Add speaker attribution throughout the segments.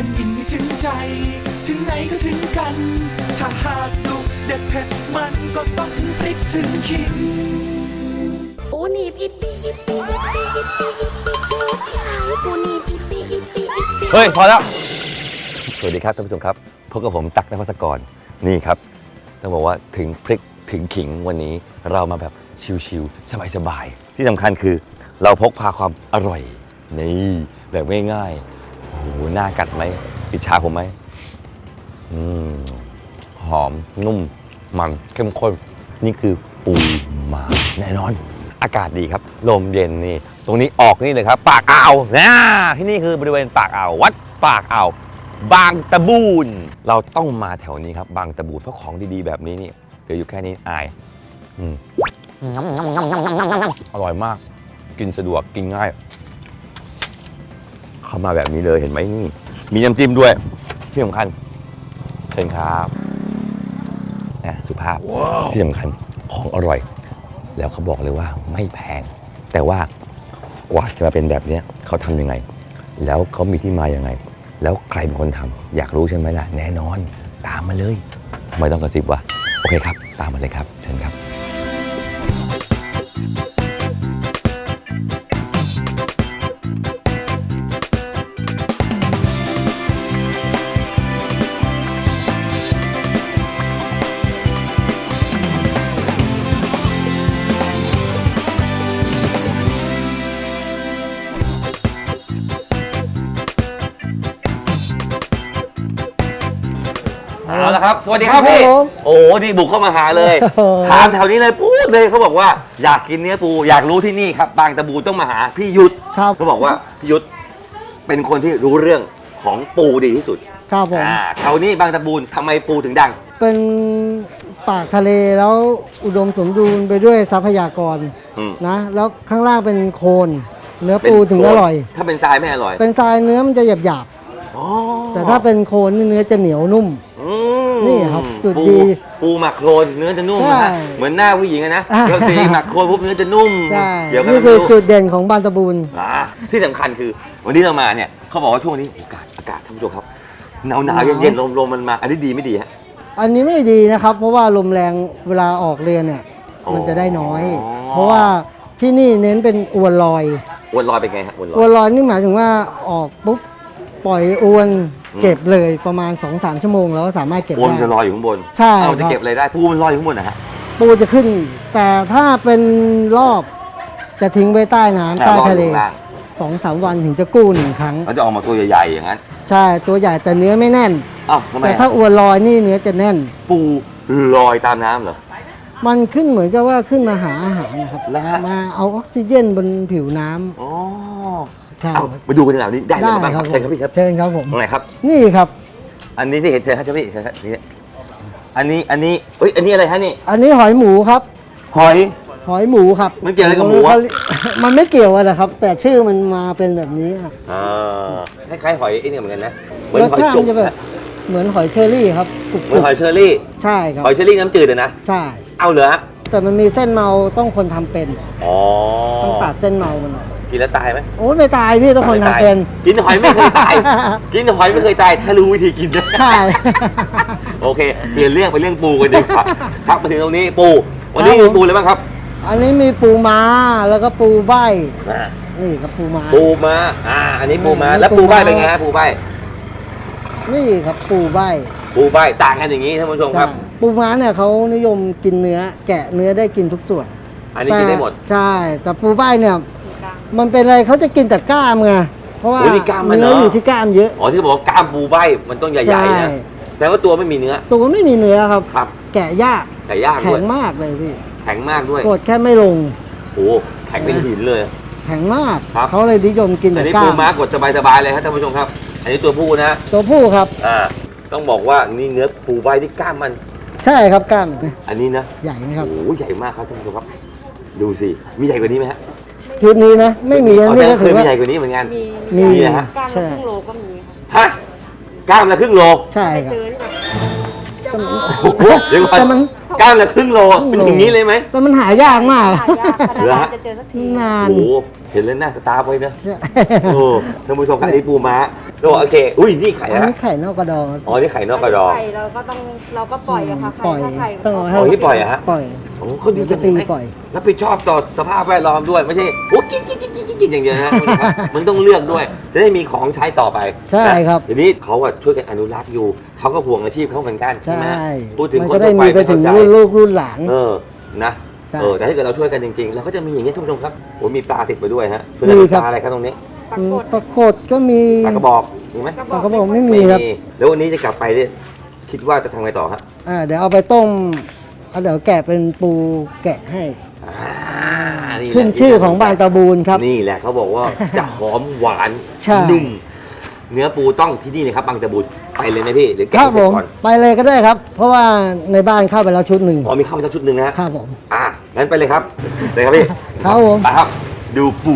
Speaker 1: ผ่นดินไม่ถึงใจถึงไหนก็ถึงกันถ้าหากดุเด็ดเผ็ดมันก็ต้องถึงพริกถึงขิง
Speaker 2: ปูนีบอิปปี้อิปปี้อิปปี้อิปปี้อิปปี้ปูนีบอิปปี้อิปปี้อิปปี้
Speaker 3: เฮ้ยพอแล้วสวัสดีครับท่านผู้ชมครับพบกับผมตั๊กนภัสกรนี่ครับต้องบอกว่าถึงพริกถึงขิงวันนี้เรามาแบบชิลๆสบายๆที่สำคัญคือเราพกพาความอร่อยนี่แบบง่ายๆโอ้โหน่ากัดไหมอิจฉาผมไหมหอมนุ่มมันเข้มข้นนี่คือปูม้าแน่นอนอากาศดีครับลมเย็นนี่ตรงนี้ออกนี่เลยครับปากอ่าวนะที่นี่คือบริเวณปากอ่าววัดปากอ่าวบางตะบูนเราต้องมาแถวนี้ครับบางตะบูนเพราะของดีๆแบบนี้นี่เดี๋ยวอยู่แค่นี้อายอร่อยมากกินสะดวกกินง่ายเข้ามาแบบนี้เลยเห็นไหมนี่มีน้ำจิ้มด้วยที่สำคัญเชิญครับนะสุภาพที่สำคัญของอร่อยแล้วเขาบอกเลยว่าไม่แพงแต่ว่ากว่าจะมาเป็นแบบนี้เขาทำยังไงแล้วเขามีที่มายังไงแล้วใครเป็นคนทำอยากรู้ใช่ไหมล่ะแน่นอนตามมาเลยไม่ต้องกระซิบว่าโอเคครับตามมาเลยครับเชิญครับเอาละครับสวัสดีครับพี่โอ้ดีบุกเข้ามาหาเลยถามแถวนี้เลยพูดเลยเขาบอกว่าอยากกินเนื้อปูอยากรู้ที่นี่ครับบางตะบูต้องมาหาพี่ยุทธเขาบอกว่าพี่ยุทธเป็นคนที่รู้เรื่องของปูดีที่สุด
Speaker 4: ครับผม
Speaker 3: แถวนี้บางตะบูทำไมปูถึงดัง
Speaker 4: เป็นปากทะเลแล้วอุดมสมบูรณ์ไปด้วยทรัพยากรนะแล้วข้างล่างเป็นโคลนเนื้อปูถึงอร่อย
Speaker 3: ถ้าเป็นทรายไม่อร่อย
Speaker 4: เป็นทรายเนื้อมันจะหยาบแต่ถ้าเป็นโคลนเนื้อจะเหนียวนุ่มนี่ครับจุดดี
Speaker 3: ปูหมักโคลนเนื้อจะนุ่มนะเหมือนหน้าผู้หญิงนะปกติหมักโคลนปุ๊บเนื้อจะนุ่ม
Speaker 4: เดี๋ยวนี่คือจุดเด่นของบางตะบูน
Speaker 3: ที่สำคัญคือวันนี้เรามาเนี่ยเขาบอกว่าช่วงนี้อากาศท่านผู้ชมครับหนาวเย็นลมมันมาอันนี้ดีไม่ดีฮะ
Speaker 4: อันนี้ไม่ดีนะครับเพราะว่าลมแรงเวลาออกเรือเนี่ยมันจะได้น้อยเพราะว่าที่นี่เน้นเป็นอวนลอย
Speaker 3: เป็นไงฮะ
Speaker 4: อวนลอยนี่หมายถึงว่าออกปุ๊บปล่อยอวนเก็บเลยประมาณ 2-3 ชั่วโมงแล้วสามารถเก็บได้
Speaker 3: ปูมันจะลอยอยู่ข้างบน
Speaker 4: ใช่
Speaker 3: เราจะเก็บอะไรได้ปูมันลอยอยู่ข้างบนนะฮะ
Speaker 4: ปูจะขึ้นแต่ถ้าเป็นรอบจะทิ้งไว้ใต้น้ำใต้ทะเล 2-3 วันถึงจะกู้1 ครั้ง
Speaker 3: มันจะออกมาตัวใหญ่ๆอย่างนั้น
Speaker 4: ใช่ตัวใหญ่แต่เนื้อไม่แน่นแต่ถ้าอวนลอยนี่เนื้อจะแน่น
Speaker 3: ปูลอยตามน้ำเหรอ
Speaker 4: มันขึ้นเหมือนกับว่าขึ้นมาหาอาหารนะครับมาเอาออกซิเจนบนผิวน้ำ
Speaker 3: เอาไปดูกันดีกว่านี่ได้เลยบ้างครับเชิญครับพี่ครับ
Speaker 4: เชิญครับผม
Speaker 3: ตรงไหนครับ
Speaker 4: นี่ครับ
Speaker 3: อันนี้ที่เห็นเชิญครับพี่นี่อันนี้เอ้ยอันนี้อะไรฮะนี่
Speaker 4: อันนี้หอยหมูครับ
Speaker 3: หอย
Speaker 4: หมูครับ
Speaker 3: มันเกี่ยวอะไรกับหมู
Speaker 4: มันไม่เกี่ยวกันนะครับแต่ชื่อมันมาเป็นแบบนี้
Speaker 3: คล้ายๆหอยไอ้นี่เหมือนกันนะ
Speaker 4: เหมือนหอยจุ๊บเหมือนหอยเชอรี่ครับ
Speaker 3: เหมือนหอยเชอรี่
Speaker 4: ใช่ครับ
Speaker 3: หอยเชอรี่น้ำจืดนะ
Speaker 4: ใช่
Speaker 3: เอาเหรอฮะ
Speaker 4: แต่มันมีเส้นเมาต้องคนทำเป็นต้องตัดเส้นเมามัน
Speaker 3: กินแล้วตายไหม
Speaker 4: โอ้ไม่ตายพี่ต้องคนทำเป็น
Speaker 3: กินหอยไม่เคยตายกินหอยไม่เคยตายถ้ารู้วิธีกิน
Speaker 4: ใช่
Speaker 3: โอเคเปลี่ยนเรื่องไปเรื่องปูกันดีกว่าครับมาถึงตรงนี้ปูวันนี้มีปูอะไรบ้างครับ
Speaker 4: อันนี้มีปูม้าแล้วก็ปูใบนี่ครับปูม้า
Speaker 3: อันนี้ปูม้าแล้วปูใบเป็นไงฮะปูใบ
Speaker 4: นี่ครับปูใบ
Speaker 3: ต่างกันอย่างนี้ท่านผู้ชมครับ
Speaker 4: ปูม้าเนี่ยเขานิยมกินเนื้อแกะเนื้อได้กินทุกส่วน
Speaker 3: อันนี้กินได้หมด
Speaker 4: ใช่แต่ปูใบเนี่ยมันเป็นอะไรเขาจะกินแต่กล้ามไงเพราะว่าเนื้ออยู่ที่กล้ามเยอะ
Speaker 3: ที่บอกว่ากล้ามปูใบมันต้องใหญ่ๆนะแต่ว่าตัวไม่มีเนื้อ
Speaker 4: ตัวไม่มีเนื้อครับแกะยาก
Speaker 3: แข็
Speaker 4: งมากเลยพี่
Speaker 3: แข็งมากด้วย
Speaker 4: กดแค่ไม่ลง
Speaker 3: โอ้แข็งเป็นหินเลย
Speaker 4: แข็งมากเขาเลยนิยมกินแต่กล้าม
Speaker 3: อันนี้ปูม้ากดสบายๆเลยครับท่านผู้ชมครับอันนี้ตัวผู้นะ
Speaker 4: ตัวผู้ครับ
Speaker 3: ต้องบอกว่านี่เนื้อปูใบที่กล้ามมัน
Speaker 4: ใช่ครับกล้าม
Speaker 3: อันนี้นะ
Speaker 4: ใหญ่ไหมครับ
Speaker 3: โอ้ใหญ่มากครับท่านผู้ชมครับดูสิมีใหญ่กว่านี้ไหมฮะ
Speaker 4: ชุดนี้นะไม่มี
Speaker 3: อันนี้ก็เคยมีใหญ่กว่านี้เหมือนกัน
Speaker 4: มี
Speaker 3: ฮะ
Speaker 5: กล้ามละครึ่งโลก็มี
Speaker 3: ฮะกล้ามละครึ่งโล
Speaker 4: ใช่ครับ
Speaker 5: เจอที่แบบ
Speaker 4: แต่มัน
Speaker 3: โอ้โหเดี๋ยวก่อน
Speaker 4: แต่มัน
Speaker 3: กล้ามละครึ่งโลเป็นอย่างนี้เลยไหม
Speaker 4: แต่มันหายากมาก
Speaker 5: หายากค่ะนานๆจะเจอสักที
Speaker 4: นาน
Speaker 3: โอ้โหเห็นแล้วหน้าสตาร์ฟไว้นะโอ้ท่านผู้ชมครับอันนี้ปูม้าโอเคอุ้ยนี่ไข่
Speaker 4: อัน
Speaker 3: นะ
Speaker 4: นี้ไข่นอกกระดอง
Speaker 3: อ๋อนี่ไข่นอกกระดอง
Speaker 5: ไข่เราก็ปล่อยอะค่ะ
Speaker 4: ปล่อย
Speaker 5: ถ้าไข่
Speaker 4: ต้องเอาให้
Speaker 3: อ๋อที่ปล่อยอะฮะ
Speaker 4: ปล่อย
Speaker 3: โอ้เขาดีจัง
Speaker 4: ตี
Speaker 3: เลย
Speaker 4: ปล่อย
Speaker 3: รับผิดชอบต่อสภาพแวดล้อมด้วยไม่ใช่โอ้กินอย่างเดียวนะท่านผู้ชมครับมันต้องเลือกด้วยจะได้มีของใช้ต่อไป
Speaker 4: ใช่ครับ
Speaker 3: ทีนี้เขาอะช่วยกันอนุรักษ์อยู่เขาก็ห่วงอาชีพเขาเหมือนกันใช่
Speaker 4: ใช่
Speaker 3: ไหมพูดถึง
Speaker 4: มัน
Speaker 3: ค
Speaker 4: ก็
Speaker 3: น
Speaker 4: ได้
Speaker 3: ทั่วไป
Speaker 4: มีไป
Speaker 3: ไม่
Speaker 4: ถึ
Speaker 3: เข้าง ใจ
Speaker 4: รุ่นลูกรุ่นหลาน
Speaker 3: นะ
Speaker 4: ใช่
Speaker 3: แต่ถ้าเกิดเราช่วยกันจริงๆเราก็จะมีอย่างนี้ท่านผู้ชมครับโอ้มีปลาติดไปด้วยฮะส่วน
Speaker 4: มี
Speaker 3: นี้
Speaker 4: ครับ
Speaker 3: ปลาอะไรครับตรงนี้
Speaker 5: ปรากฏ
Speaker 4: ปรากฏก็มี
Speaker 3: ปลากระบอกมีไหม
Speaker 4: ปลากระบอกไม่มีครับ
Speaker 3: แล้ววันนี้จะกลับไปเนี่ยคิดว่าจะทำไงต่อฮะ
Speaker 4: เดี๋ยวเอาไปต้มเดี๋ยวแกะเป็นปูแกะให้
Speaker 3: นี่แหละ
Speaker 4: ขึ้นชื่อของบางตะบูนครับ
Speaker 3: นี่แหละเขาบอกว่าจะหอมหวาน
Speaker 4: ใช่
Speaker 3: นุ่มเนื้อปูต้องที่นี่เลยครับบางตะบูนไปเลยไหมพี่หรือ
Speaker 4: ค
Speaker 3: แกะ
Speaker 4: รับ
Speaker 3: เส
Speaker 4: ผ
Speaker 3: ร็จ
Speaker 4: ม
Speaker 3: ก่อน
Speaker 4: ไปเลยก็ได้ครับ เพราะว่าในบ้านเข้าไปแล้วชุดหนึ่ง
Speaker 3: อ๋อมีข้าวมาสักชุดหนึ่งนะฮะ
Speaker 4: ครับผม
Speaker 3: งั้นไปเลยครับเลยครับพี่
Speaker 4: ครับผม
Speaker 3: ไปครับ ดูปู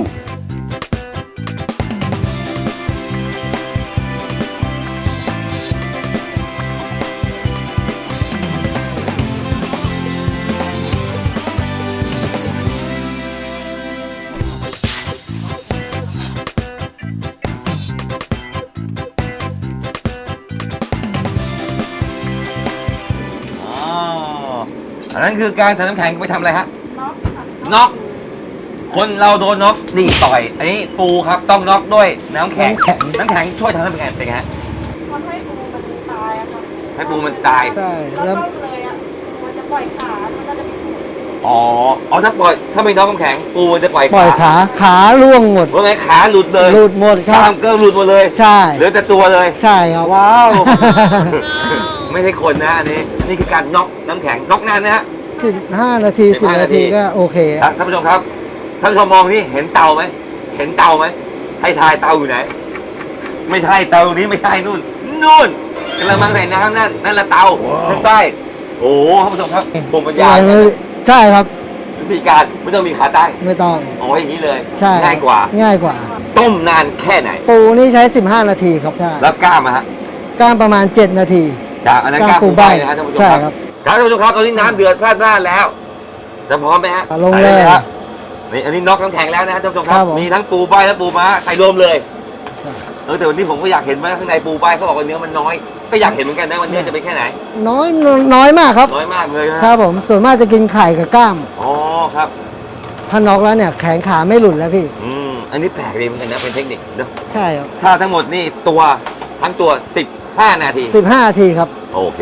Speaker 3: อันนั้นคือการใส่น้ำแข็งไปทำอะไรฮะน็อกคนเราโดนน็อกนี่ต่อย อันนี้ปูครับต้องน็อกด้วยน้ำแข็งน้ำแข็งช่วยทำให้เป็นไงฮะ
Speaker 5: ทำให้ปูมันตายอะค่ะ
Speaker 3: ให้ปูมันตาย
Speaker 4: ใช่
Speaker 5: แล้ว
Speaker 4: แล้ว
Speaker 5: ต้มเลยอะมันจะปล่อยขา มันก็จะไม่ถูก
Speaker 3: อ๋อถ้าไม่น็อกน้ำแข็งปูมันจะปล่อย
Speaker 4: ปล่อยขาล่วงหมด
Speaker 3: ว่าไงขาหลุดเลย
Speaker 4: หลุดหมดค
Speaker 3: ก
Speaker 4: รั
Speaker 3: ล้า
Speaker 4: บ
Speaker 3: มก็หลุดหมดเลย
Speaker 4: ใช่
Speaker 3: เหลือแต่ตัวเลย
Speaker 4: ใช่ครับ
Speaker 3: ว้าว ไม่ใช่คนนะอันนี้คือการน็อกน้ำแข็งน็อกนานนะฮะ
Speaker 4: 15 นาที 10 นาทีก็โอเค
Speaker 3: ท่านผู้ชมครับท่านผู้ชมมองนี่เห็นเตาไหมเห็นเตาไหมให้ทายเตาอยู่ไหน ไม่ใช่เตาตรงนี้ไม่ใช่นู่นกระมังใส่น้ำนั่นละเตาทางใต้โอ้ท่านผู้ชมครับภูมิปัญญา
Speaker 4: ใช่ครับ
Speaker 3: วิธีการไม่ต้องมีขาตั้ง
Speaker 4: ไม่ต้อง
Speaker 3: เอาไว้อย่างนี้เลย
Speaker 4: ใช่
Speaker 3: ง่ายกว่า
Speaker 4: ง่ายกว่า
Speaker 3: ต้มนานแค่ไหน
Speaker 4: ปูนี่ใช้ 15 นาทีครับใช่
Speaker 3: แล้วกล้ามอะฮะ
Speaker 4: ก้านประมาณ 7 นาที
Speaker 3: จากอันนั้นกล้ามปูใบนะฮะท่านผู้ชม
Speaker 4: ใช่
Speaker 3: ค
Speaker 4: ครั
Speaker 3: รับบ ท่านผู้ชมครับตอนนี้น้ำเดือดพลาดแล้วจะพร้อมไหมฮะ
Speaker 4: ลงเลย
Speaker 3: ใส่ครับนี่อันนี้น็อกน้ำแข็งแล้วนะฮะท่านผู้ชมค
Speaker 4: ครั
Speaker 3: รับบ
Speaker 4: ผม
Speaker 3: มีทั้งปูใบและปูม้าใส่รวมเลย
Speaker 4: ใช่
Speaker 3: แต่วันนี้ผมก็อยากเห็นว่าข้างในปูใบเขาบอกว่าเนื้อมันน้อยก็อยากเห็นเหมือนกันนะว่าเนื้อจะเป็นแค่ไหน
Speaker 4: น้อยมากครับ
Speaker 3: น้อยมากเลยฮะ
Speaker 4: ครับผมส่วนมากจะกินไข่กับกล้าม
Speaker 3: อ๋อครับ
Speaker 4: ถ้าน็อกแล้วเนี่ยแขนขาไม่หลุดแล้วพี่
Speaker 3: อันนี้แปลกดีเหมือนกันนะเป็นเทคนิคเนอะ
Speaker 4: ใช่ครับ
Speaker 3: ถ้าทั้งหมดนี่ตัวทั้งตัว15 นาที
Speaker 4: 15 นาทีครับ
Speaker 3: โอเค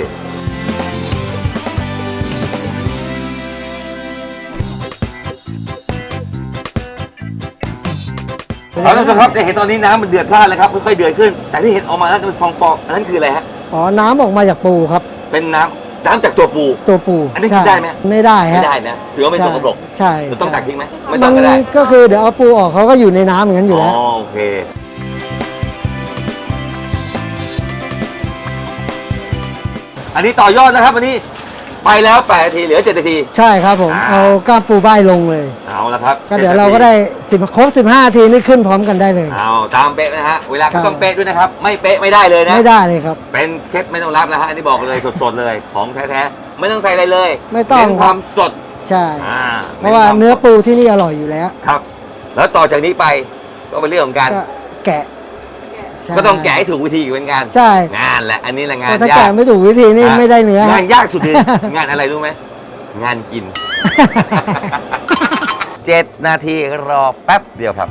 Speaker 3: เอาละครับจะเห็นตอนนี้น้ำมันเดือดพล่านเลยครับค่อยๆเดือดขึ้น แต่ที่เห็นออกมาแล้วจะเป็นฟองอันนั้นคืออะไรฮะ
Speaker 4: อ๋อ น้ำออกมาจากปูครับ
Speaker 3: เป็นน้ำจากตัวปู
Speaker 4: ตัวปู
Speaker 3: อันนี้กิน
Speaker 4: ใช่
Speaker 3: ได้ไหม
Speaker 4: ไม่ได้
Speaker 3: ไม่
Speaker 4: ฮะ
Speaker 3: ได้นะถือว่าไม่ตกกระปรก
Speaker 4: ใช่
Speaker 3: เราต้องตักทิ้งไหมไม่
Speaker 4: มั
Speaker 3: ต้องก็ได้
Speaker 4: ก็คือเดี๋ยวเอาปูออกเขาก็อยู่ในน้ำอย่างนั้นอยู่แล้ว
Speaker 3: โอเคอันนี้ต่อยอดนะครับอันนี้ไปแล้ว8 นาทีเหลือ7 นาที
Speaker 4: ใช่ครับผม เอาก้ามปูใบลงเลย
Speaker 3: เอาละครับ
Speaker 4: ก็เดี๋ยวเราก็ได้ครบ 15 นาทีนี่ขึ้นพร้อมกันได้เลย
Speaker 3: เอาตามเป๊ะนะฮะเวลา
Speaker 4: ครั
Speaker 3: ก็
Speaker 4: บ
Speaker 3: ต้องเป๊ะด้วยนะครับ ไม่เป๊ะไม่ได้เลยนะ
Speaker 4: ไม่ได้เลยครับ
Speaker 3: เป็นเคล็ดไม่ต้องรับนะฮะอันนี้บอกเลยสดๆเลยของแท้ๆไม่ต้องใส่อะไรเลย
Speaker 4: ไม่ต้อง
Speaker 3: เน้นความสด
Speaker 4: ใช่ เพราะ
Speaker 3: น้
Speaker 4: ว่า
Speaker 3: คม
Speaker 4: เนื้อ
Speaker 3: สด
Speaker 4: ปูที่นี่อร่อยอยู่แล้ว
Speaker 3: ครับ แล้วต่อจากนี้ไปก็เป็นเรื่องของการ
Speaker 4: ก็แกะใช่
Speaker 3: ก็ต้องแกะให้ถูกวิธีอีกเหมือนกัน
Speaker 4: ใช่
Speaker 3: งานแหละอันนี้แหละงาน
Speaker 4: แต่ถ้าย
Speaker 3: า
Speaker 4: แกะ
Speaker 3: ก
Speaker 4: ไม่ถูกวิธีนี่ไม่ได้เนื้อ
Speaker 3: งานยากสุดเลย งานอะไรรู้ไหมงานกิน 7 นาทีรอแป๊บเดียวครับ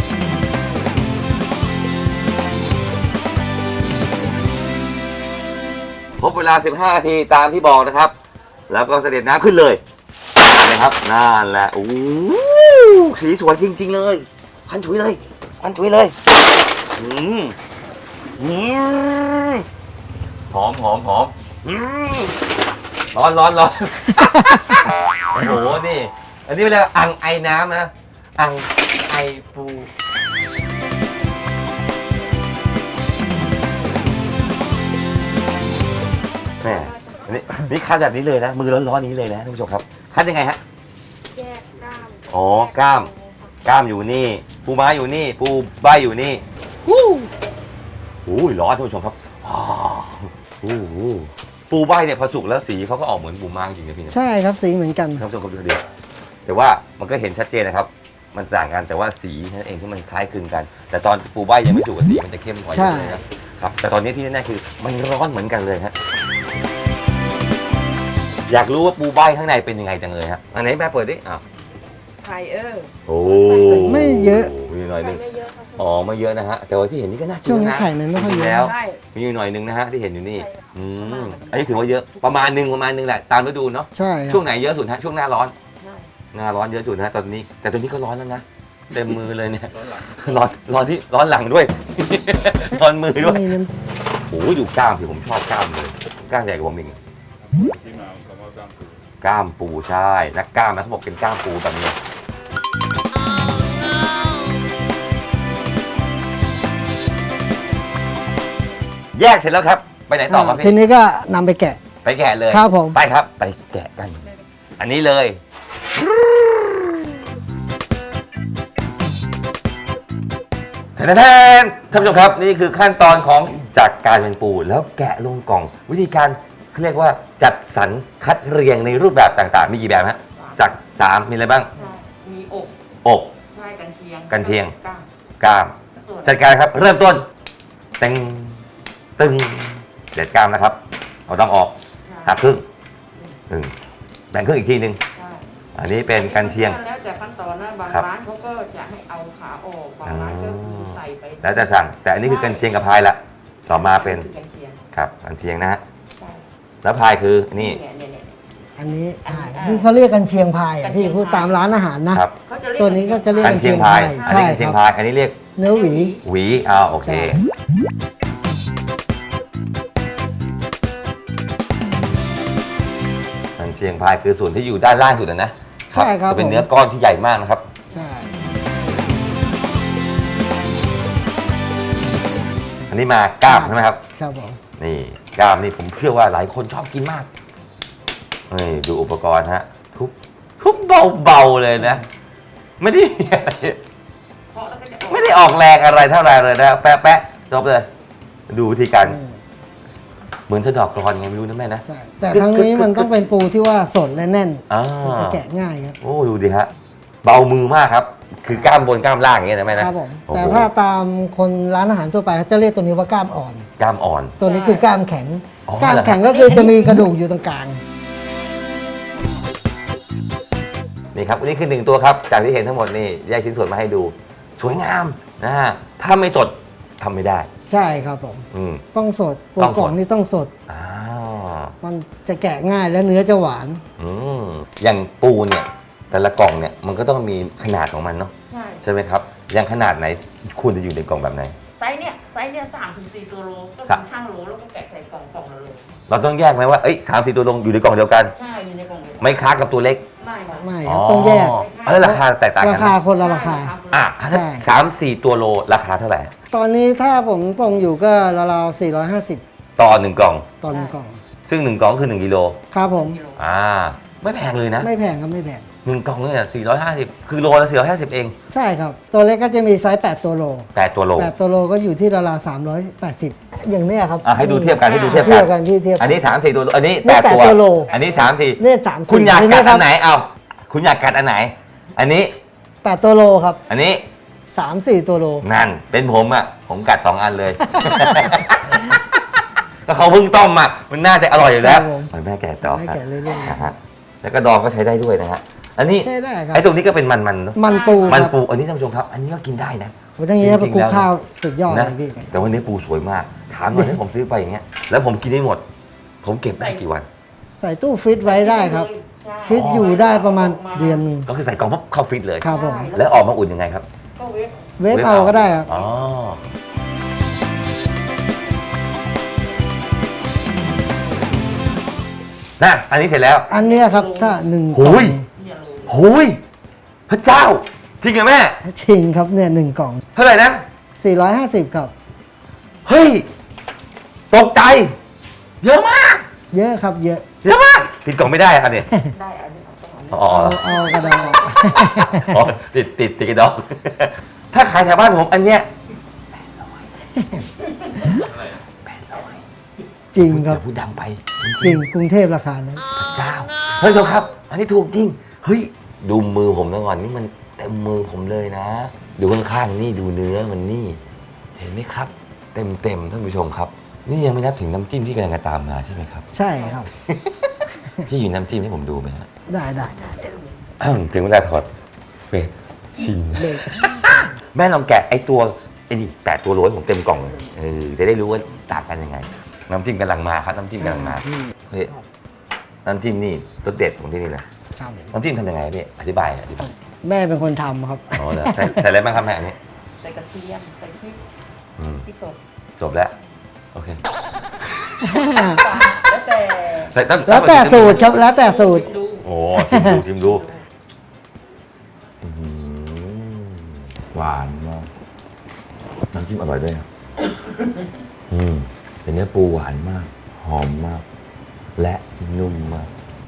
Speaker 3: ครบเวลา 15 นาทีตามที่บอกนะครับ แล้วก็เสด็จน้ำขึ้นเลยนะครับนั่นแหละโอ้โหสีสวยจริง ๆ เลยพันฉุยเลยอืมหอมอืมร้อน โอ้โหนี่ อันนี้เป็นอะไรอังไอน้ำนะอังไอปูแม่นี่คั้นแบบนี้เลยนะ มือร้อนๆนี้เลยนะท่านผู้ชมครับคั้นยังไงฮะ
Speaker 5: แยกกล้าม
Speaker 3: อ๋อกล้ามอยู่นี่ ปูม้าอยู่นี่ ปูใบอยู่นี่โอ้ยร้อนท่านผู้ชมครับอ้าวโอ้โหปูใบเนี่ยพอสุกแล้วสีเขาก็ออกเหมือนปูม้าจริงๆนะพี่นะ
Speaker 4: ใช่ครับสีเหมือนกัน
Speaker 3: ท่านผู้ชมครับดูดีแต่ว่ามันก็เห็นชัดเจนนะครับ มันต่างกันแต่ว่าสีนั่นเองที่มันคล้ายคลึงกัน แต่ตอนปูใบยังไม่สุกกับสีมันจะเข้มกว่า
Speaker 4: ใช่
Speaker 3: เยอะเลยนะครับแต่ตอนนี้ที่แน่ๆคือมันร้อนเหมือนกันเลยฮะอยากรู้ว่าปูใบข้างในเป็นยังไงจังเลยฮะอันไหนแม่เปิดดิอ้าว
Speaker 5: ไข่
Speaker 3: โอ้
Speaker 4: ไม่เยอะ
Speaker 3: มีหน่อยหนึง
Speaker 5: ไม่เยอะค่ะ
Speaker 3: อ๋อไม่เยอะนะฮะแต่ว่าที่เห็นนี่ก็น่ากิน
Speaker 4: ช่วงนี้
Speaker 3: นะ
Speaker 4: ไข่มันไม่ค่อยเยอะ
Speaker 3: แล้ว
Speaker 5: ใช่
Speaker 3: มีอยู่หน่อยหนึงนะฮะที่เห็นอยู่นี่อันนี้ถือว่าเยอะประมาณหนึงแหละตามฤดูเนาะ
Speaker 4: ใช่ค
Speaker 3: ช่
Speaker 4: รั
Speaker 3: ว
Speaker 4: บ
Speaker 3: งไหนเยอะสุดฮะช่วงหน้าร้อน
Speaker 5: ใช่
Speaker 3: หน้าร้อนเยอะสุดนะตอนนี้ แต่ตอนนี้ก็ร้อนแล้วนะเต็มมือเลยเนี่ยร้อนหลังด้วย ร้อนมือด้วย
Speaker 4: มีน้
Speaker 3: โอ้ยดูกล้ามสิผมชอบกล้ามเลยกล้ามใหญ่กว่าผมอีก
Speaker 6: ที่มาของคำว่ากล้ามปู
Speaker 3: กล้ามปูใช่นักกล้ามนะเขาบอกเป็นกล้ามปูแบบนี้แยกเสร็จแล้วครับไปไหน
Speaker 4: ำ
Speaker 3: ต่อครับ
Speaker 4: ที
Speaker 3: พี่
Speaker 4: นี้ก็นำไปแกะ
Speaker 3: ไปแกะเลย
Speaker 4: ครับผม
Speaker 3: ไปครับไปแกะกัน อันนี้เลยท่านผู้ชมครับนี่คือขั้นตอนของจากการเป็นปูแล้วแกะลงกล่อง วิธีการเขาเรียกว่าจัดสรรคัดเรียงในรูปแบบต่างๆ มีกี่แบบฮะจาก3มีอะไรบ้าง
Speaker 5: ใช่มีอก
Speaker 3: อก
Speaker 5: ใช่กันเชียง
Speaker 3: กันเชียง
Speaker 5: กล้าม
Speaker 3: กล้าม
Speaker 5: ส่วน
Speaker 3: จัดการครับเริ่มต้นเต็งตึงเด็ดกล้ามนะครับเอาต้องออกหักครึ่งแบ่งครึ่งอีกทีหนึ่ง
Speaker 5: ใช่
Speaker 3: อันนี้เป็นกันเชียง
Speaker 5: แล้วแต่ขั้นตอนนะบาง
Speaker 3: ครับ
Speaker 5: ร้านเขาก็จะให้เอาขาออกบางร้านก็คือใส่ไป
Speaker 3: แล้วแต่สั่งแต่อันนี้คือกันเชียงกับพายละต่อมาเป็น
Speaker 5: กันเชียง
Speaker 3: ครับกันเชียงนะฮะ
Speaker 5: ใช่
Speaker 3: แล้วพายคือนี่
Speaker 5: เนี่ย
Speaker 4: อันนี้
Speaker 5: อันนี้
Speaker 4: นี่เขาเรียกกันเชียงพาย
Speaker 5: กั
Speaker 4: อ่ะ
Speaker 5: นเชียง
Speaker 4: พี่พูด
Speaker 5: พาย
Speaker 4: ตามร้านอาหารนะ
Speaker 3: ครับ
Speaker 5: เขาจะเรียก
Speaker 4: ตัวนี้ก็จะเรียก
Speaker 3: กันเชียงพายอัน
Speaker 4: ใช่
Speaker 3: นี้กันเชียง
Speaker 4: ครับ
Speaker 3: พายอันนี้เรียก
Speaker 4: เนื้อหวี
Speaker 3: หวีโอเค
Speaker 4: ใช่
Speaker 3: กันเชียงพายคือส่วนที่อยู่ด้านล่างสุดนะ
Speaker 4: ใช่ครับ
Speaker 3: จะเป็น
Speaker 4: ผม
Speaker 3: เนื้อก้อนที่ใหญ่มากนะครับ
Speaker 4: ใช่
Speaker 3: อันนี้มากล้ามใช่ไหมครับ
Speaker 4: ครับผม
Speaker 3: นี่กล้ามนี่ผมเชื่อว่าหลายคนชอบกินมากนี่ดูอุปกรณ์ฮะทุบเบาๆเลยนะ ไม่ได้มีอะไร
Speaker 5: เพราะแล้วก็จะออก
Speaker 3: ไม่ได้ออกแรงอะไรเท่าไหรเลยนะแปะจบเลย ดูวิธีการเหมือนสะเดอกกรอนไงไม่รู้นะแม่นะ
Speaker 4: ใช่แต่ทั้งนี้มันต้องเป็นปูที่ว่าสดและแน่น
Speaker 3: อ่า
Speaker 4: มันจะแกะง่ายครับ
Speaker 3: โอ้ดูดิฮะเบามือมากครับ คือกล้ามบนกล้ามล่างอย่างเงี้ยนะแม่นะครับ
Speaker 4: ผม
Speaker 3: โอ้โห
Speaker 4: แต่ถ้าตามคนร้านอาหารทั่วไปเขาจะเรียกตัวนี้ว่ากล้ามอ่อน
Speaker 3: กล้ามอ่อน
Speaker 4: ตัวนี้คือกล้ามแข็ง
Speaker 3: อ๋อ
Speaker 4: กล้ามแข็งก็คือจะมีกระดูกอยู่ตรงกลาง
Speaker 3: นี่ครับอันนี้คือ1ตัวครับจากที่เห็นทั้งหมดนี่แยกชิ้นส่วนมาให้ดู สวยงามนะฮะถ้าไม่สดทำไม่ได้
Speaker 4: ใช่ครับผม
Speaker 3: อืม
Speaker 4: ต้องสดปู
Speaker 3: ต้องสด
Speaker 4: กล่องนี่ต้องสด
Speaker 3: อ้าว
Speaker 4: มันจะแกะง่ายและเนื้อจะหวาน
Speaker 3: อย่างปูเนี่ยแต่ละกล่องเนี่ยมันก็ต้องมีขนาดของมันเนาะ
Speaker 5: ใช่
Speaker 3: ใช่ไหมครับอย่างขนาดไหนควรจะอยู่ในกล่องแบบไหน
Speaker 5: ไซส์เนี่ย3-4 ตัวโลก็
Speaker 3: สะ
Speaker 5: ช่างโลแล้วก็แกะใส่กล่องละโล
Speaker 3: เราต้องแยกไหมว่าเอ้ย3-4 ตัวลงอยู่ในกล่องเดียวกัน
Speaker 5: ใช่อยู่ในกล่องเลย
Speaker 3: ไม่ค้ากับตัวเล็ก
Speaker 5: ไม่ค่ะ
Speaker 4: ไม่ครับต้องแยก
Speaker 3: ราคาแตกต่างกั
Speaker 4: ราน คาคนละราคา
Speaker 3: อ่ะ
Speaker 4: ใช่
Speaker 3: 3-4 ตัวโลราคาเท่าไหร่
Speaker 4: ตอนนี้ถ้าผมส่งอยู่ก็ราวๆ450
Speaker 3: ต่อ1กล่อง
Speaker 4: ต่อหนึ่งกล่อง
Speaker 3: ซึ่ง1กล่องคือ1กิโล
Speaker 4: ครับผม
Speaker 3: ไม่แพงเลยนะ
Speaker 4: ไม่แพงครับไม่แพง
Speaker 3: 1กล่องเนี่ย450คือโลละ450เอง
Speaker 4: ใช่ครับ ตัวเล็กก็จะมีไซส์8ตัวโล
Speaker 3: 8ตัวโล
Speaker 4: 8ตัวโลก็อยู่ที่ราวๆ380 อย่างเนี้ยครับ
Speaker 3: ให้ดูเทียบกันให้ดูเทียบ
Speaker 4: เทียบ
Speaker 3: กั
Speaker 4: กัน นพี่เทียบ
Speaker 3: อันนี้3-4 ตัวโลอันนี้
Speaker 4: นี่
Speaker 3: 8 ตัว
Speaker 4: 8ตัวโล
Speaker 3: อันนี้3-4
Speaker 4: เนี่ย3
Speaker 3: คุณอยากกัด
Speaker 4: ค
Speaker 3: อั
Speaker 4: รับ
Speaker 3: นไหนเอาคุณอยากกัดอันไหน อันนี้
Speaker 4: 8ตัวโลครับ
Speaker 3: อันนี้
Speaker 4: 3-4 ตัวโล
Speaker 3: นั่นเป็นผมอ่ะผมกัด2อันเลย ก็เขาเพิ่งต้มอ่ะมันน่าจะอร่อยอยู่แล้ว
Speaker 4: ครับผม
Speaker 3: ไปแม่แกะต่อ
Speaker 4: ให้
Speaker 3: ครับ
Speaker 4: แกะเรื่อยๆ
Speaker 3: นะฮะแล้วก็ดองก็ใช้ได้ด้วยนะฮะอันนี้
Speaker 4: ใช่ได้ครับ
Speaker 3: ไอ้ตรงนี้ก็เป็นมันๆเนอะ
Speaker 4: มันปู
Speaker 3: มัน
Speaker 4: ครับ
Speaker 3: ปูอันนี้ท่านผู้ชมครับ อันนี้ก็กินได้นะ
Speaker 4: โอ้ทั้งนี้ถ้า
Speaker 3: จ
Speaker 4: ป
Speaker 3: ริ
Speaker 4: ระ
Speaker 3: งๆ
Speaker 4: กู
Speaker 3: แล้ว
Speaker 4: ข้าวสุดยอด
Speaker 3: นะ
Speaker 4: เลยพี่
Speaker 3: แต่วันนี้ปูสวยมากถามหน่อยถ้าผมซื้อไปอย่างเงี้ยแล้วผมกินได้หมด ผมเก็บได้กี่วัน
Speaker 4: ใส่ตู้ฟิตไว้ได้ครับ
Speaker 5: ใช่
Speaker 4: ฟิตอยู่ได้ประมาณเดือนหนึง
Speaker 3: ก็คือใส่กล่องปุ๊บเข้าฟรีซเลย
Speaker 4: ครับผม
Speaker 3: แล้วออกมาอุ่นยังไงครับ
Speaker 5: ก็เวฟ
Speaker 4: เวฟเอาก็ได้ครับ
Speaker 3: อ๋อนะอันนี้เสร็จแล้ว
Speaker 4: อันเนี้ยครับถ้า1
Speaker 3: โอ้ย
Speaker 5: อย่าโล
Speaker 3: โอ้ยพระเจ้าจริงเหรอแม่
Speaker 4: จริงครับเนี่ย1กล่อง
Speaker 3: เท่าไหร่นะ
Speaker 4: 450ครับ
Speaker 3: เฮ้ย ตกใจ เยอะมาก
Speaker 4: เยอะครับเยอะ
Speaker 3: เยอะมากผิดกล่องไม่ได้อะเนี่ย
Speaker 5: ได้อันนี้เอาต้องเอา
Speaker 3: อ๋อ
Speaker 4: เอากระดาษออก
Speaker 3: อ๋อติดกระดอง ถ้าขายแถวบ้านผมอันเนี้ย800
Speaker 4: จริงครับ
Speaker 3: อย่าพูดดังไป
Speaker 4: จริงกรุงเทพราคานั้น
Speaker 3: พระเจ้าเฮ้ยเจ้าครับ อันนี้ถูกจริงเฮ้ยดูมือผมนะก่อนนี่มันเต็มมือผมเลยนะ ดูข้างๆนี่ดูเนื้อมันนี่ เห็นไหมครับ เต็มท่านผู้ชมครับ นี่ยังไม่นับถึงน้ำจิ้มที่กำลังจะตามมาใช่ไหมครับ
Speaker 4: ใช่ครับ
Speaker 3: พี่อยู่น้ำจิ้มให้ผมดูไหมฮะ
Speaker 4: ได้
Speaker 3: ถึงเวลาถอดเฟรชิม
Speaker 4: เบรก
Speaker 3: แม่ลองแกะไอ้ตัวไอ้นี่8 ตัวโรยผมเต็มกล่องเลยจะได้รู้ว่าต่างกันยังไง น้ำจิ้มกำลังมาครับน้ำจิ้มกำลังมาเฮ้ยน้ำจิ้มนี่รสเด็ดของที่นี่เลย
Speaker 4: ครับ
Speaker 3: น้ำจิ้มทำยังไงพี่อธิบาย
Speaker 4: แม่เป็นคนทำครับ
Speaker 3: อ๋อเหรอใส่อะไรบ้างครับแม่อันนี้
Speaker 5: ใส่กระเทียมใส่พริก
Speaker 3: อืม
Speaker 5: พริกสด
Speaker 3: จบแล้วโอเค
Speaker 5: แล้วแต่
Speaker 3: ใส่ต้อง
Speaker 4: แล้วแต่สูตรครับแล้วแต่สูตร
Speaker 3: โอ้ชิมดูอื้อหือหวานมากน้ำจิ้มอร่อยด้วยครับเป็นเนื้อปูหวานมาก หอมมาก และนุ่มมาก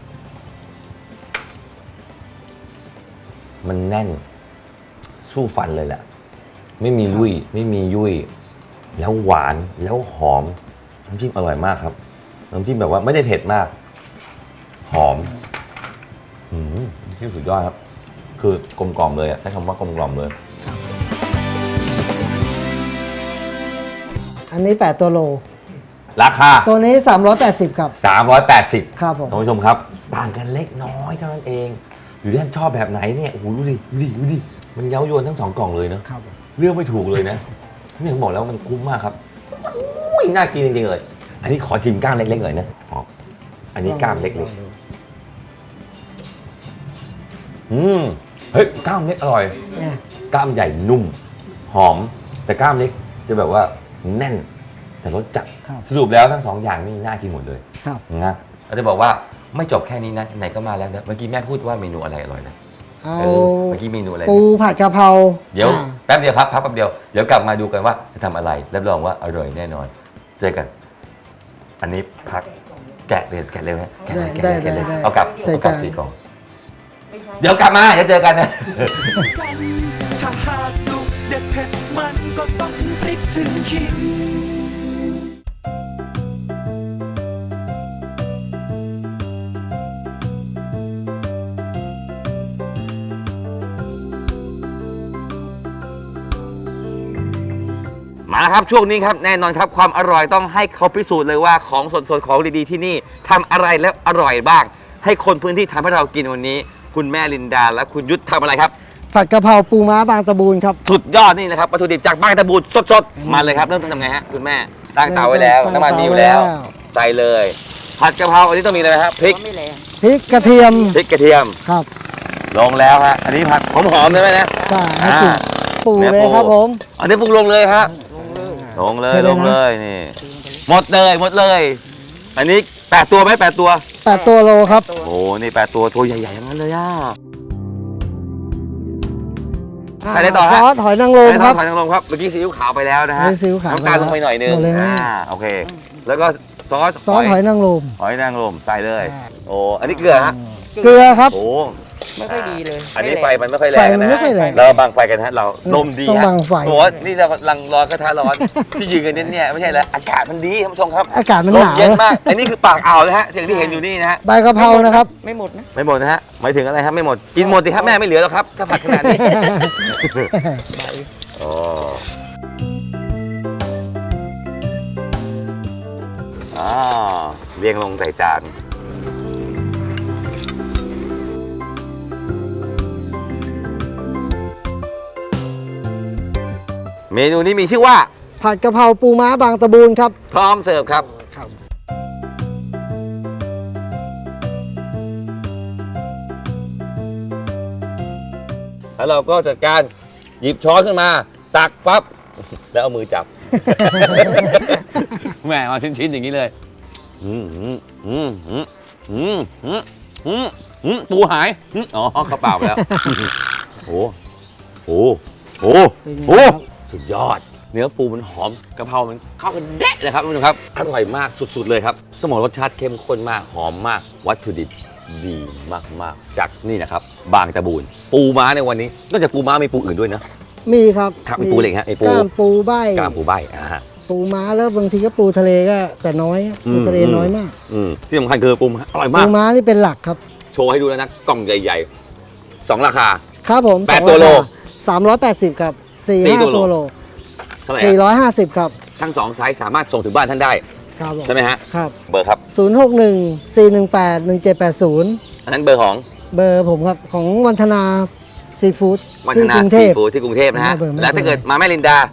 Speaker 3: มันแน่น สู้ฟันเลยแหละ ไม่มีลุยไม่มียุ่ย แล้วหวานแล้วหอม น้ำจิ้มอร่อยมากครับ น้ำจิ้มแบบว่าไม่ได้เผ็ดมาก หอมน้ำจิ้มสุดยอดครับ คือกลมกล่อมเลยอะใช้คำว่ากลมกล่อมเลย
Speaker 4: อันนี้ 8 ตัวโล
Speaker 3: ราคา
Speaker 4: ตัวนี้ 380 ครับ
Speaker 3: 380
Speaker 4: ครับผม
Speaker 3: ท่านผู้ชมครับ ต่างกันเล็กน้อยเท่านั้นเอง อยู่ที่ท่านชอบแบบไหนเนี่ย โอ้โหดูดิ มันเย้ายวนทั้ง2 กล่องเลยเนอะ
Speaker 4: ครับ
Speaker 3: เลือกไม่ถูกเลยนะนี่ผมบอกแล้วมันคุ้มมากครับอุ้ยน่ากินจริงๆเลย อันนี้ขอชิมกล้ามเล็กๆหน่อยนะอ๋ออันนี้กล้ามเล็กๆเฮ้ยกล้ามเล็กอร่อย
Speaker 4: เนี่ย
Speaker 3: กล้ามใหญ่นุ่ม หอม แต่กล้ามเล็กจะแบบว่าแน่น แต่รสจัด
Speaker 4: ครับ
Speaker 3: สรุปแล้วทั้ง2 อย่างนี่น่ากินหมดเลย
Speaker 4: ครับ
Speaker 3: นะเราจะบอกว่าไม่จบแค่นี้นะไหนก็มาแล้วนะเมื่อกี้แม่พูดว่าเมนูอะไรอร่อยนะ
Speaker 4: เอา
Speaker 3: เมื่อกี้เมนูอะไรนะ
Speaker 4: ปูผัดกะเพรา
Speaker 3: เดี๋ยว
Speaker 4: อ่า
Speaker 3: แป๊บเดียวครับพักแป๊บเดียวเดี๋ยวกลับมาดูกันว่าจะทำอะไรรับรองว่าอร่อยแน่นอนเจอกัน อันนี้พักแกะเลยแกะเร็วฮะแกะเลยแกะเลยแกะเลยเอากลับ
Speaker 4: ใส่
Speaker 3: เอากลับ
Speaker 4: จาน
Speaker 3: 4 กล่องเดี๋ยวกลับมาเดี๋ยวเจอกันนะ
Speaker 1: กันถ้าหากลูกเด็ดเผ็ดมันก็ต้องถึงพริกถึงขิง
Speaker 3: มาแล้วครับช่วงนี้ครับแน่นอนครับความอร่อยต้องให้เขาพิสูจน์เลยว่าของสดๆของดีๆที่นี่ทำอะไรแล้วอร่อยบ้าง ให้คนพื้นที่ทำให้เรากินวันนี้ คุณแม่ลินดาและคุณยุทธทำอะไรครับ
Speaker 4: ผัดกะเพราปูม้าบางตะบูนครับ
Speaker 3: สุดยอดนี่นะครับวัตถุดิบจากบางตะบูนสดๆมาเลยครับเริ่มต้นทำไงฮะคุณแม่ตั้งเตาไว้แล้วน้ำมันมีอยู่แล้ว ใส่เลยผัดกะเพราอันนี้ต้องมีอะไรนะครับพริก
Speaker 5: ไม่แรง
Speaker 4: พริกกระเทียม
Speaker 3: พริกกระเทียม
Speaker 4: ครับ
Speaker 3: ลงแล้วฮะอันนี้ผัดหอมๆเลยไหมนะ
Speaker 4: ใช่ให้กลิ่น
Speaker 3: อ่า
Speaker 4: ปู
Speaker 3: เนื้อ
Speaker 4: เลย
Speaker 3: ปู
Speaker 4: ครับผม
Speaker 3: อันนี้ปรุงลงเลยฮะลงเลย
Speaker 4: เทเลยนะ
Speaker 3: ลงเลยนี่หมดเลย อันนี้8 ตัวไหม8 ตัว
Speaker 4: 8 ตัวโลครับ
Speaker 3: โอ้นี่8 ตัวใหญ่ๆอย่างนั้นเลยอ่ะ ใส่อะไรต่อฮะ
Speaker 4: ซอสหอยนางรม
Speaker 3: ใส่
Speaker 4: ครับ
Speaker 3: หอยนางรมครับเมื่อกี้ซีอิ๊วขาวไปแล้วนะฮะ
Speaker 4: ซีอิ๊วขาว
Speaker 3: น้ำตาลลงไปหน่อยนึง
Speaker 4: หมดเลยนะ
Speaker 3: โอเค แล้วก็ซอส
Speaker 4: ซอสหอยนางรม
Speaker 3: หอยนางรมใส่เลย
Speaker 4: อ่า
Speaker 3: โอ้อันนี้เกลือฮะ
Speaker 4: เกลือครับ
Speaker 3: โอ้
Speaker 5: ไม่ค่อยดีเลย
Speaker 3: อันนี้ไฟมันไม่ค่อยแร
Speaker 4: ไฟ
Speaker 3: ง
Speaker 4: มัน
Speaker 3: นะ
Speaker 4: ไม่ค่อยแรง
Speaker 3: เราบังไฟกันฮะเราลมดี
Speaker 4: ต้อง
Speaker 3: ฮะ
Speaker 4: บังไฟ
Speaker 3: โอ้นี่เรากำลังร้อนกระทะร้อน ที่ยืนกันเนี่ยไม่ใช่แล้วอากาศมันดีท่านผู้ชมครับ
Speaker 4: อากาศมัน
Speaker 3: ล
Speaker 4: ห
Speaker 3: ม
Speaker 4: นาว
Speaker 3: เย็นมากอันนี้คือปากอ่าวนะฮะอย่างที่เห็นอยู่นี่นะฮะ
Speaker 4: ใบกะเพรานะครับ
Speaker 5: ไม่หมดนะ
Speaker 3: ไม่หมดนะฮะหมายถึงอะไรครับไม่หมดกินหมดสิครับแม่ไม่เหลือแล้วครับถ้าผัดขนาดนี้ อ๋อเรียงลงใส่จานเมนูนี้มีชื่อว่า
Speaker 4: ผัดกะเพราปูม้าบางตะบูนครับ
Speaker 3: พร้อมเสิร์ฟครับ
Speaker 4: ครับ
Speaker 3: แล้วเราก็จัดการหยิบช้อนขึ้นมา ตักปั๊บ แล้วเอามือจับ แหมมาชิ้นๆอย่างนี้เลยปูหายอ๋อเขาเปล่าไปแล้ว โอ้โหโอ้
Speaker 4: เป็นไง
Speaker 3: โห
Speaker 4: ครับ
Speaker 3: สุดยอด เนื้อปูมันหอมกะเพรามันเข้ากันเด๊ะเลยครับทุกคนครับอร่อยมากสุดๆเลยครับต้องบอกรสชาติเข้มข้นมากหอมมากวัตถุดิบดีมากๆจากนี่นะครับบางตะบูนปูม้าในวันนี้นอกจากปูม้ามีปูอื่นด้วยนะ
Speaker 4: มีครับ
Speaker 3: ครับมีปูอะไรอีกฮะมีปู
Speaker 4: ก้ามปูใบ
Speaker 3: กล้ามปูใบ
Speaker 4: ปูม้าแล้วบางทีก็ปูทะเลก็แต่น้อยปูทะเลน้อยมาก
Speaker 3: ที่สำคัญคือปูม้าอร่อย
Speaker 4: ปู
Speaker 3: มาก
Speaker 4: ม้านี่เป็นหลักครับ
Speaker 3: โชว์ให้ดูแล้วนะกล่องใหญ่ๆ 2 ราคา
Speaker 4: ครับผม
Speaker 3: 8ตัวโล
Speaker 4: 380ครับ
Speaker 3: 4
Speaker 4: 4-5 ตัวโล
Speaker 3: เท่าไหร่อะ
Speaker 4: 450ครับ
Speaker 3: ทั้ง 2 ไซส์สามารถส่งถึงบ้านท่านได้
Speaker 4: ครับผม
Speaker 3: ใช่ไหมฮะ
Speaker 4: ครับ
Speaker 3: เบอร์ครับ
Speaker 4: 061-418-1780
Speaker 3: อันนั้นเบอร์ของ
Speaker 4: เบอร์ผมครับของวันธนาซีฟู้ด
Speaker 3: วันธ
Speaker 4: ที่
Speaker 3: นาก
Speaker 4: รุงเท
Speaker 3: ซี
Speaker 4: พ
Speaker 3: ฟู้ดที่กรุงเทพนะฮะ
Speaker 4: ไม่เบอร์ไม่
Speaker 3: แล้วถ้าเกิดมาแม่ลินดา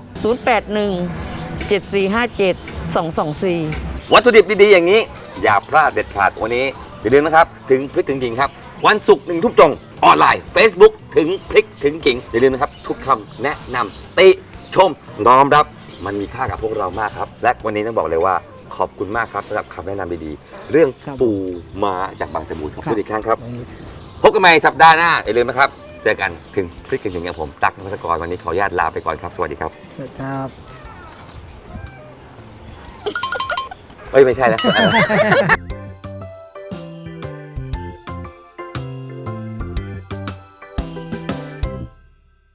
Speaker 7: 081-7457-224
Speaker 3: วัตถุดิบดีๆอย่างนี้ อย่าพลาดเด็ดขาดวันนี้อย่าลืมนะครับ ถึงพริกถึงกิ่งครับ วันศุกร์1 ทุ่มตรงออนไลน์ Facebook ถึงพริกถึงกิ่งอย่าลืมนะครับ ทุกคำแนะนำติชมน้อมรับมันมีค่ากับพวกเรามากครับ และวันนี้ต้องบอกเลยว่าขอบคุณมากครับสำหรับคำแนะนำดีๆ เรื่อง
Speaker 4: ครับ
Speaker 3: ปูม้าจากบางตะบูนขอบคุณ
Speaker 4: ครับ
Speaker 3: อีกครั้งครับ พบกันใหม่สัปดาห์หน้าอย่าลืมนะครับเจอกันถึงพริกถึงกิ่งกับผมตั๊กนภัสกรวันนี้ขออนุญาตลาไปก่อนครับสวัสดีครับ
Speaker 4: สวัสดีครับ
Speaker 3: เอ้ยไม่ใช่แล้ว